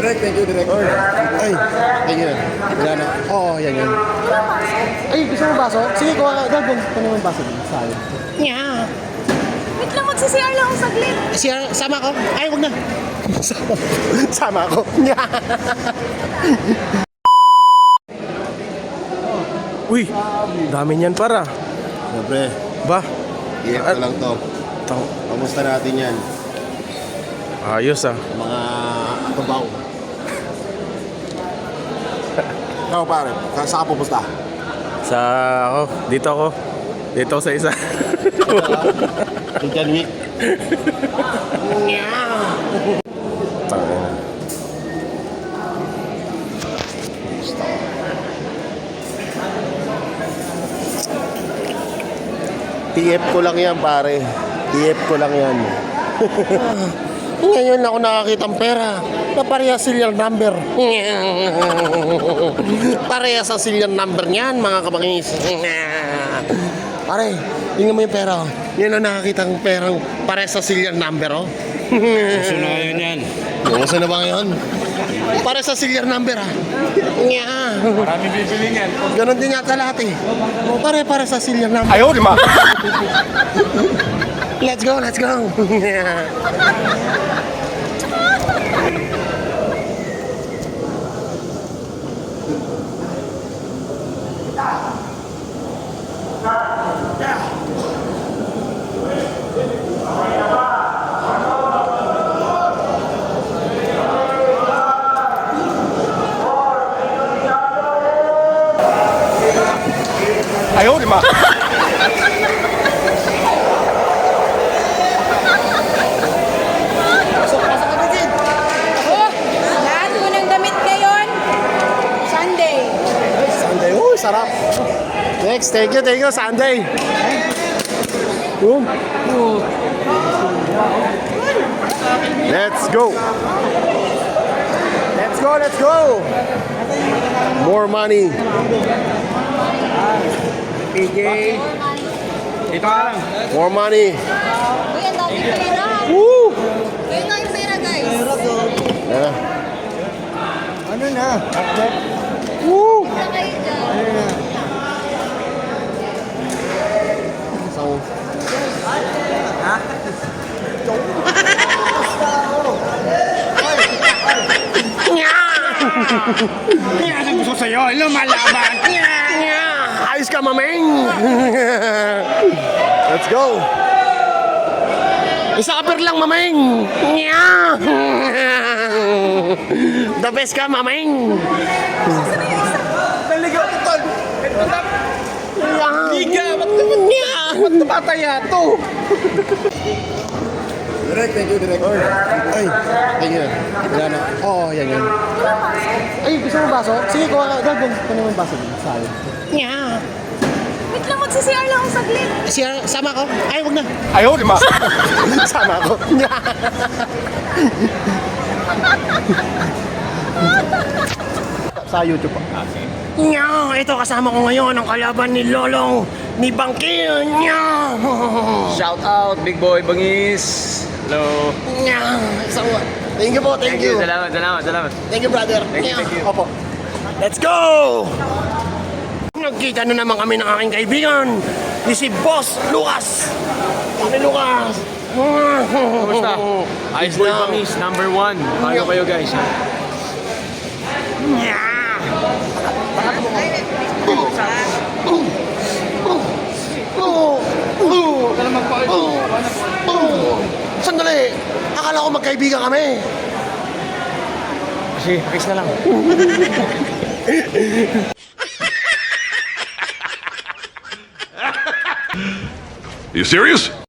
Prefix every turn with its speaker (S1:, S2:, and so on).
S1: Direct, thank you, direct. Ay, ayun. Wala na. Oo, yan yun. Ay, gusto mo baso? Sige, kuha ka. Dagdag ko naman baso din. Sayang. Yeah.
S2: Wait lang, magsi-CR lang ako saglit.
S1: Siya, sama ko? Ay, wag na. Sama ko. Yeah.
S3: Uy, dami niyan para.
S1: Siyempre,
S3: Ba?
S1: i-F ko lang to. Kamusta natin yan?
S3: Ayos ah.
S1: Mga tubaw. Ikaw pare, saan ka pupunta?
S3: Sa ako, dito ako. Dito ako sa isa.
S1: Indian Week. TF ko lang yan pare. TF ko lang yan. Ngayon ako nakakita ng pera na parehas serial number. Parehas ang serial number niyan mga kabangis. Pare, tingnan mo yung pera. Yan ang nakakita ng perang parehas sa serial number. Oh.
S4: Gusto na ngayon yan.
S1: Gusto na ba ngayon? Parehas sa serial number ah.
S4: Marami bibili yan.
S1: Ganon din yata lahat eh. Pare sa serial number.
S3: Ayaw, di ma.
S1: Let's go, let's go.
S3: Ayaw, di ma.
S2: Lahat ko ng damit ngayon. Sunday.
S1: Sunday, uy, sarap. Next, thank you, Sunday. Boom. Let's go. Let's go, let's go. More money.
S4: PJ. Dito ka lang.
S1: More money.
S2: Uy, ang dami pera.
S1: Woo!
S2: Uy, ang dami pera, guys.
S1: Yeah.
S5: Ano na?
S1: Woo!
S2: Wala kayo dyan.
S1: So,
S4: Kaya gusto sa'yo, lumalaban.
S1: ayos ka, mameng. Let's go. Isa kapir lang, mameng. The best ka, mameng.
S4: Naligaw ko, tol. Liga, ba't napataya to?
S1: Direct, thank you, direct. Ay, ayun. Wala na. Oo, yan yun. Ay, gusto mo baso? Sige, kuha ka. Dagdag ko naman baso din. Sayang.
S2: Wait lang, magsi-CR lang ako saglit.
S1: Siya, sama ko? Ay, wag na.
S3: Ayaw, di ma.
S1: Sama ko. Sa YouTube pa. Ito kasama ko ngayon ang kalaban ni Lolong ni Bangkil.
S4: Shout out, big boy, bangis. Hello.
S1: Thank you po, thank you.
S4: Salamat.
S1: Thank you, brother.
S4: Thank you.
S1: Opo. Let's go! Nagkita na naman kami ng aking kaibigan. Ni si Boss Lucas. Kami Lucas.
S4: Kumusta? Ice Boy
S1: Now.
S4: Bangis, number 1. Paano kayo guys?
S1: Sandali! Akala ko magkaibigan kami.
S4: Kasi, fix na lang.
S6: You serious?